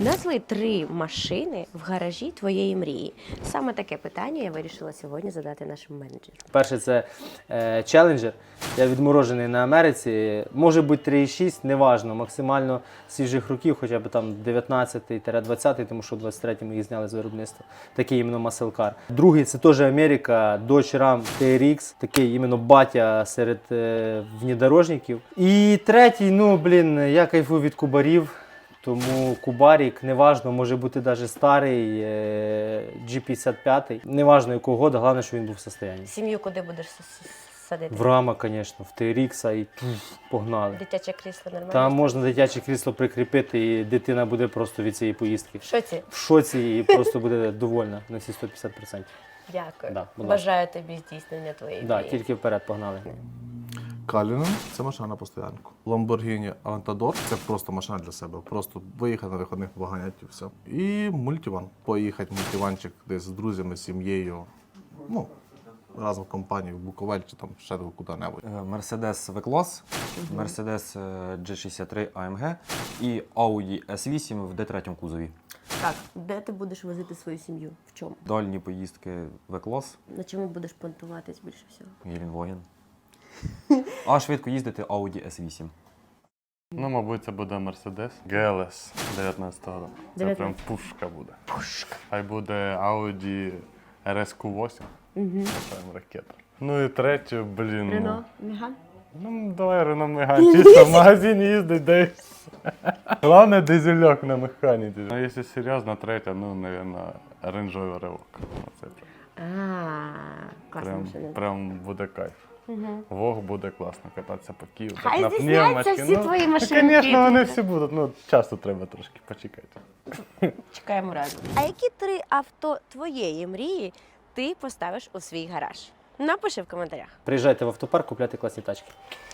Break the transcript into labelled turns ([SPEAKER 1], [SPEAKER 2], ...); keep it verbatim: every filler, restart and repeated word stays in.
[SPEAKER 1] Назви три машини в гаражі твоєї мрії. Саме таке питання я вирішила сьогодні задати нашому менеджеру.
[SPEAKER 2] Перше це е, Challenger. Я відморожений на Америці. Може бути три і шість, неважно. Максимально свіжих років, хоча б там дев'ятнадцятий-двадцятий, тому що в двадцять третьому їх зняли з виробництва. Такий іменно маселкар. Другий це теж Америка, Dodge Ram Ті Ар Ікс. Такий іменно батя серед е, внедорожників. І третій, ну блін, я кайфую від кубарів. Тому кубарік, неважно, може бути навіть старий, джі п'ятдесят п'ять, неважно якого года, головне, що він був в стані.
[SPEAKER 1] Сім'ю куди будеш с- с- садити?
[SPEAKER 2] В рама, звісно, в Ті Ар Ікс і пф, погнали.
[SPEAKER 1] Дитяче крісло нормально?
[SPEAKER 2] Там можна дитяче крісло прикріпити, і дитина буде просто від цієї поїздки
[SPEAKER 1] В шоці?
[SPEAKER 2] в шоці і просто буде довольна на всі сто п'ятдесят відсотків.
[SPEAKER 1] Дякую.
[SPEAKER 2] Да, будь ласка.
[SPEAKER 1] Бажаю тобі здійснення твоєї
[SPEAKER 2] Да,
[SPEAKER 1] мрії.
[SPEAKER 2] тільки вперед погнали.
[SPEAKER 3] Калінен – це машина на постоянку. Lamborghini Aventador – це просто машина для себе. Просто виїхати на виходних поганять і все. І мультиван. Поїхати мультиванчик десь з друзями, з сім'єю. Ну, разом в компанії, в Буковель чи там ще куди-небудь.
[SPEAKER 4] Mercedes V-Class, Mercedes джі шістдесят три ей ем ге і Audi ес вісім в Ді три кузові.
[SPEAKER 1] Так, де ти будеш возити свою сім'ю? В чому?
[SPEAKER 4] Дальні поїздки V-Class,
[SPEAKER 1] На чому будеш понтуватись більше всього?
[SPEAKER 4] Гелендваген. А швидко їздити Audi ес вісім.
[SPEAKER 5] Ну, мабуть, це буде Mercedes джі ел ес дев'ятнадцятого року. Це прям
[SPEAKER 1] дев'ятнадцятого.
[SPEAKER 5] пушка буде.
[SPEAKER 1] Пушка.
[SPEAKER 5] Хай буде Audi ар ес кю вісім.
[SPEAKER 1] Угу.
[SPEAKER 5] Це прям ракета. Ну і третю, блін.
[SPEAKER 1] Рено, Меган?
[SPEAKER 5] Ну, давай Рено Меган. Чисто в магазин їздить, да і все. Головне дизельок на механіці. Ну, якщо серйозно, третя, ну, мабуть, Range Rover Evoque. Це прям,
[SPEAKER 1] А, класна
[SPEAKER 5] прям,
[SPEAKER 1] машина.
[SPEAKER 5] прям буде кайф.
[SPEAKER 1] Угу.
[SPEAKER 5] Вог буде класно кататися по Києву.
[SPEAKER 1] Хай
[SPEAKER 5] так, на
[SPEAKER 1] здійсняться
[SPEAKER 5] пневмочці.
[SPEAKER 1] всі
[SPEAKER 5] ну,
[SPEAKER 1] твої
[SPEAKER 5] ну,
[SPEAKER 1] машинки.
[SPEAKER 5] звісно, вони всі будуть. Ну, часто треба трошки почекати.
[SPEAKER 1] Чекаємо разом. А які три авто твоєї мрії ти поставиш у свій гараж? Напиши в коментарях.
[SPEAKER 2] Приїжджайте в автопарк, купляйте класні тачки.